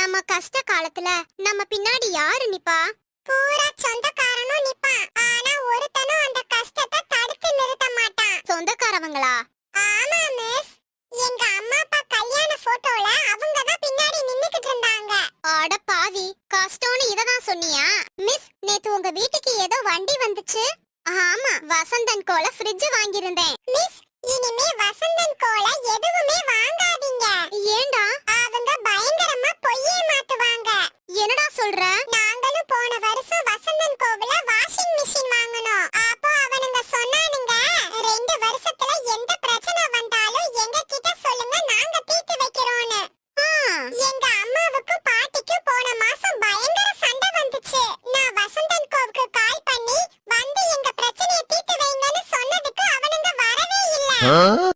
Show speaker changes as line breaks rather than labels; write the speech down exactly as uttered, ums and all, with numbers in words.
நம்ம கஷ்ட காலத்துல நம்ம பின்னாடி யாரு நிப்பா? பூரா சொந்தக்காரனும் நிப்பான். ஆனா ஒருத்தனும் அந்த கஷ்டத்தை தடுத்து நிறுத்த மாட்டான். சொந்தக்காரவங்களா? ஆமா மிஸ். எங்க அம்மா அப்பா கல்யாண போட்டோல அவங்க தான் பின்னாடி நின்னுக்கிட்டு இருந்தாங்க. அட பாவி, கஷ்டம்னு இததான் சொன்னியா? மிஸ், நேத்து உங்க வீட்டுக்கு ஏதோ வண்டி வந்துச்சு. ஆமா, வசந்தன் கோல ஃப்ரிட்ஜ் வாங்கியிருந்தேன். மிஸ், இனிமே வசந்தன் கோல எதுவுமே வாங்காதீங்க. ஏண்டா? அவங்க பயங்கரமா பொய்யே மாத்துவாங்க. என்னடா சொல்ற? நாங்களும் போன வருஷம் வசந்தன் கோவில வாஷிங் மிஷின் வாங்கணும். அப்போ அவனுங்க சொன்னானுங்க, ரெண்டு வருஷத்துல எந்த பிரச்சனை வந்தாலும் எங்க கிட்ட சொல்லுங்க, நாங்க தீர்த்து வைக்கிறோம்னு. எங்க அம்மாவுக்கும் பாட்டிக்கும் போன மாசம் பயங்கர சண்டை வந்துச்சு. நான் வசந்தன் கோவுக்கு கால் பண்ணி வந்து எங்க பிரச்சனையை தீர்த்து வைங்கன்னு சொன்னதுக்கு அவனுங்க வரவே இல்ல.